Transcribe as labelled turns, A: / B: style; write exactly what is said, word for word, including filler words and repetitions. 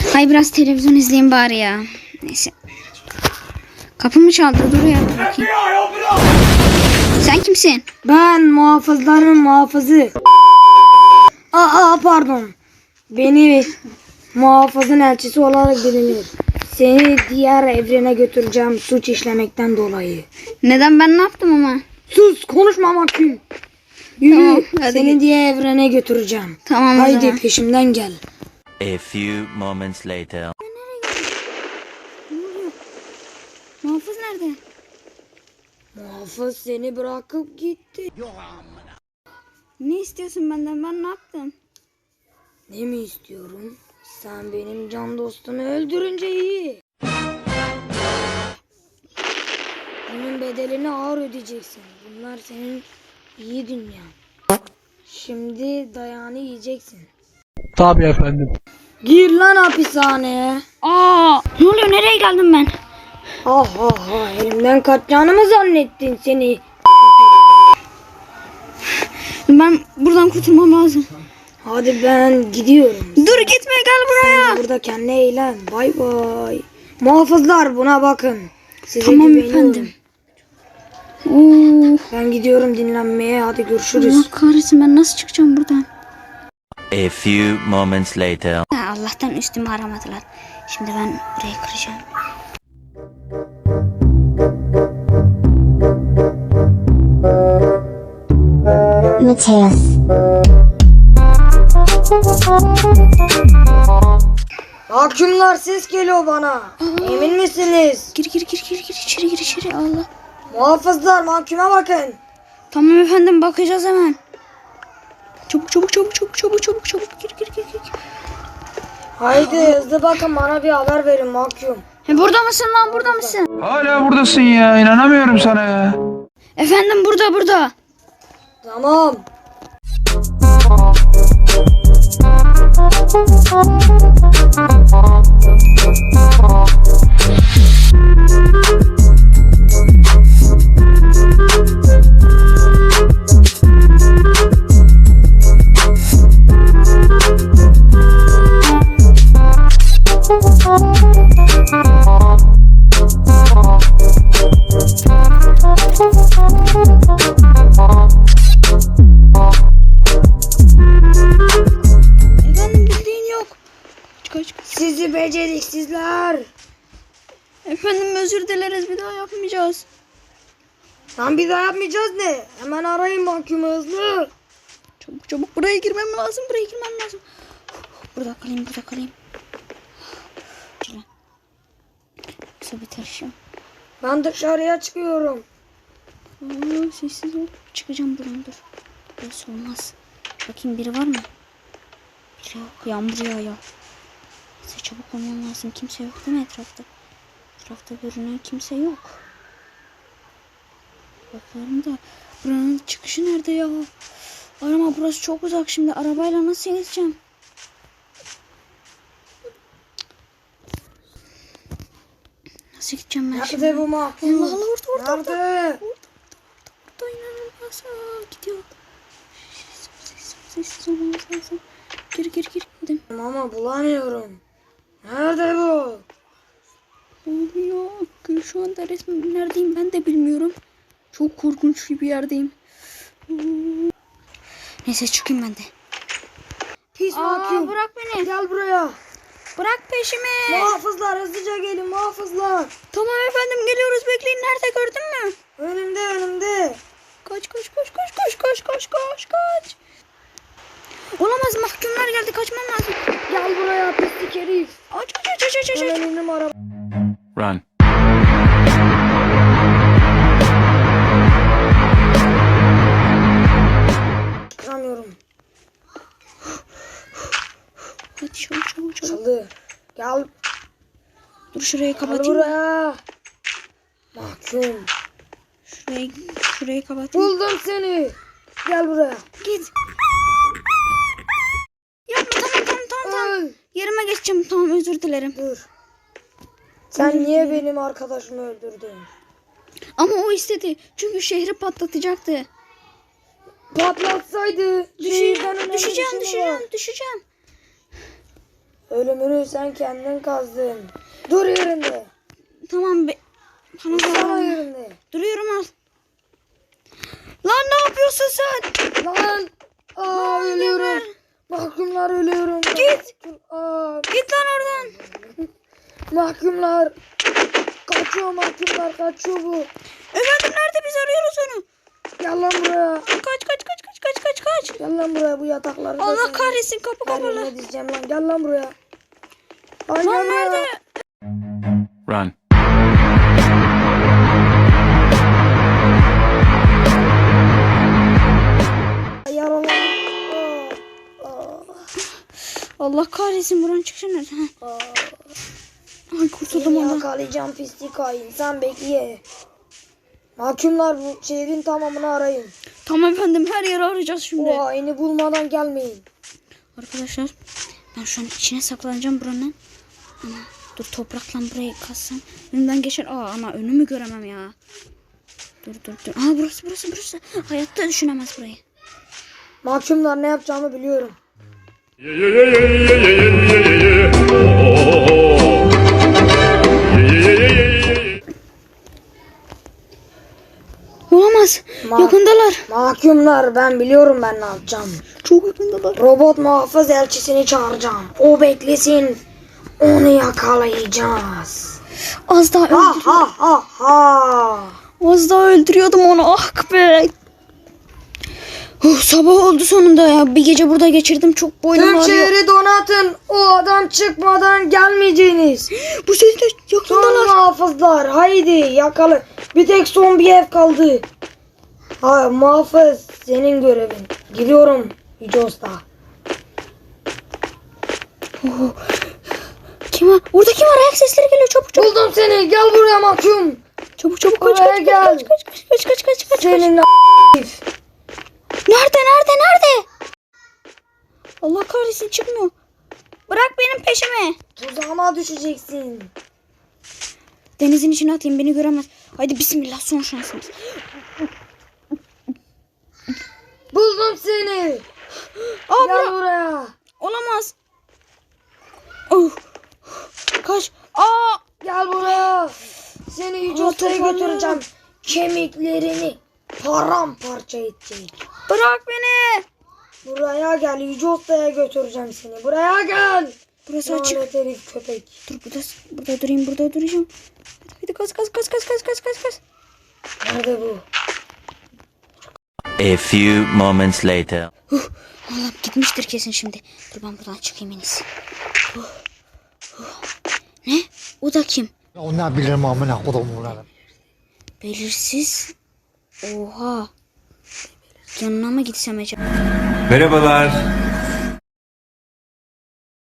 A: Hay biraz televizyon izleyeyim bari ya. Neyse. Kapımı çaldı. Dur ya bakayım. Sen kimsin?
B: Ben muhafızların muhafızı. Aa pardon. Beni muhafızın elçisi olarak bilinir. Seni diğer evrene götüreceğim suç işlemekten dolayı.
A: Neden, ben ne yaptım ama?
B: Sus, konuşma mahkum. Yürü,
A: Tamam, hadi
B: seni
A: git.
B: diğer evrene götüreceğim.
A: Tamam o
B: Haydi
A: zaman.
B: peşimden gel.
C: A few moments later.
A: Ne oluyor? Muhafız nerede?
B: Muhafız seni bırakıp gitti.
A: Ne istiyorsun benden? Ben ne yaptım?
B: Ne mi istiyorum? Sen benim can dostumu öldürünce iyi. Bunun bedelini ağır ödeyeceksin. Bunlar senin iyi dünyan. Şimdi dayağını yiyeceksin.
D: Tabii efendim.
B: Gir lan hapishaneye.
A: Aa, ne oluyor? Nereye geldim ben?
B: Ah ah ah, elimden kaçacağını mı zannettin seni?
A: Ben buradan kurtulmam lazım.
B: Hadi ben gidiyorum.
A: Dur gitme, gel buraya.
B: Sen de burada kendine eğlen. Bay bay. Muhafızlar buna bakın. Size
A: Tamam
B: güveniyorum.
A: efendim. Oo,
B: Ben gidiyorum dinlenmeye. Hadi görüşürüz.
A: Allah kahretsin, ben nasıl çıkacağım buradan?
C: A few moments later.
A: Ha, Allah'tan üstümü aramadılar. Şimdi ben burayı kıracağım.
E: Mateus.
B: Mahkumlar, ses geliyor bana. Emin misiniz?
A: Gir gir gir gir gir içeri gir içeri, Allah.
B: Muhafızlar, mahkuma bakın.
A: Tamam efendim, bakacağız hemen. Çabuk çabuk çabuk çabuk çabuk çabuk çabuk gir gir gir gir.
B: Haydi hızlı bakın, bana bir haber verin mahkum.
A: He, burada mısın lan, burada mısın?
D: Hala buradasın ya. İnanamıyorum sana ya.
A: Efendim burada burada.
B: Tamam.
A: Efendim bildiğin yok. Kaç kaç.
B: Sizi beceriksizler.
A: Efendim özür dileriz, bir daha yapmayacağız.
B: Lan bir daha yapmayacağız ne? Hemen arayın mahkumu hızlı.
A: Çabuk çabuk buraya girmem lazım, buraya girmem lazım. Burada kalayım, burada kalayım. Şöyle. Yoksa bitirişim.
B: Ben dışarıya çıkıyorum.
A: Aa, sessiz ol. Çıkacağım buradan, dur. Burası olmaz. Bakayım biri var mı? Biri yok. Yağmur yağıyor. Neyse çabuk olmam lazım. Kimse yok değil mi etrafta? Etrafta görünen kimse yok. Bakıyorum da buranın çıkışı nerede ya? Arama, burası çok uzak, şimdi arabayla nasıl gideceğim? Nasıl gideceğim ben şimdi?
B: Nerede bu mahkum?
A: Allah Allah, orada orada orada.
B: Nerede?
A: Burada inanılmaz. Aa, gidiyor. Sessiz sessiz olmamız lazım. Gir gir gir. Gidin.
B: Ama bulamıyorum. Nerede bu?
A: Oluyor. Şu anda resmen neredeyim ben de bilmiyorum. Çok korkunç bir yerdeyim. Neyse çıkayım ben de.
B: Pis mahkum.
A: Bırak beni.
B: Gel buraya.
A: Bırak peşimi.
B: Muhafızlar, hızlıca gelin muhafızlar.
A: Tamam efendim, geliyoruz, bekleyin. Nerede, gördün mü?
B: Önümde önümde.
A: Kaç kaç kaç kaç kaç kaç kaç kaç kaç. Olamaz, mahkumlar geldi, kaçmam lazım.
B: Gel buraya pislik herif.
A: Aç aç aç aç aç aç.
B: Hemen indim araba.
C: Run.
B: Çıkamıyorum.
A: Hadi çabuk çabuk çabuk.
B: Çalı. Gel.
A: Dur şurayı
B: Gel
A: kapatayım.
B: buraya. Mahkum.
A: Şurayı şurayı kapatayım.
B: Buldum seni. Gel buraya.
A: Git. Yapma, tamam tamam tamam tamam.
B: Öl.
A: Yerime geçeceğim, tamam, özür dilerim.
B: Dur. Sen niye benim arkadaşımı öldürdün?
A: Ama o istedi. Çünkü şehri patlatacaktı.
B: Patlatsaydı. şehirden
A: Düşeceğim,
B: önemli
A: düşeceğim,
B: bir şey mi
A: düşeceğim,
B: var?
A: düşeceğim.
B: Ölümünü sen kendin kazdın. Dur yerinde.
A: Tamam be. Bana
B: Sana
A: zarar.
B: yerinde.
A: Duruyorum al. Lan ne yapıyorsun sen?
B: Lan. Aa ölüyorum. Mahkumlar ölüyorum.
A: Git.
B: Aa,
A: Git lan oradan.
B: mahkumlar. Kaçıyor mahkumlar kaçıyor bu.
A: Efendim nerede, biz arıyoruz onu.
B: Gel lan buraya.
A: Kaç kaç kaç kaç kaç kaç kaç.
B: Gel lan buraya bu yatakları.
A: Allah kahretsin, kapı
B: Her
A: kapalı.
B: yerine dizeceğim lan. Gel lan buraya. Lan,
A: Lan
B: gel buraya.
A: nerede?
C: Run.
B: Yaralandım. Aa, aa,
A: Allah kahretsin, buranın çıkışı nerede? Heh.
B: aa.
A: Ay kurtuldum
B: Seni
A: ondan.
B: yakalayacağım pislik hain. Sen bekle. Mahkumlar bu şehrin tamamını arayın.
A: Tamam efendim, her yeri arayacağız şimdi.
B: O haini bulmadan gelmeyin.
A: Arkadaşlar ben şu an içine saklanacağım buranın. Ama dur, toprakla burayı kassam önümden geçer. Aa ama önümü göremem ya. Dur dur dur. Aa burası burası burası. Hayatta düşünemez burayı.
B: Mahkumlar ne yapacağımı biliyorum.
A: Olamaz.
B: Ma-
A: Yakındalar.
B: Mahkumlar ben biliyorum ben ne yapacağım.
A: Çok yakındalar.
B: Robot muhafız elçisini çağıracağım. O beklesin. Onu yakalayacağız.
A: Az daha
B: Ha
A: öldürüyordum.
B: ha ha ha.
A: Az daha öldürüyordum onu. Ah be. Oh, sabah oldu sonunda ya. Bir gece burada geçirdim. Çok boynum
B: Tüm
A: ağrıyor.
B: şehri donatın. O adam çıkmadan gelmeyeceğiniz.
A: Bu seni de
B: Son
A: yakındalar.
B: muhafızlar haydi yakala. Bir tek son bir ev kaldı. Ha muhafız senin görevin. Gidiyorum Yüce Usta.
A: Kim var? Orada kim var? Ayak sesleri geliyor. Çabuk çabuk.
B: Buldum seni, gel buraya mahkum.
A: Çabuk çabuk kaç
B: Buraya
A: kaç
B: gel.
A: kaç kaç kaç kaç kaç kaç kaç.
B: Senin a-
A: Nerede nerede nerede? Allah kahretsin, çıkmıyor. Bırak benim peşimi.
B: tuzağıma düşeceksin.
A: Denizin içine atayım, beni göremez. Haydi bismillah, son şansımız.
B: Buldum seni.
A: Aa,
B: Gel
A: bırak.
B: buraya.
A: Olamaz. Oh. Kaç. Aa.
B: Gel buraya. Seni Yüce
A: Aa,
B: Usta'ya
A: toparlıyorum.
B: götüreceğim. Kemiklerini paramparça edecek.
A: Bırak beni.
B: Buraya gel, Yüce Usta'ya götüreceğim seni. Buraya gel.
A: Burası açık.
B: Lanet herif köpek.
A: Dur burada, burada durayım, burada duracağım. Hadi kaç kaç kaç kaç kaç kaç kaç kaç.
B: Nerede bu?
C: A few moments later.
A: Allah'ım, gitmiştir kesin şimdi. Dur ben buradan çıkayım en iyisi. Huh, huh. Ne? O da kim?
F: O ne bilirim amına kodumunları.
A: Belirsiz. Oha. Yanına mı gitsem acaba?
G: Merhabalar.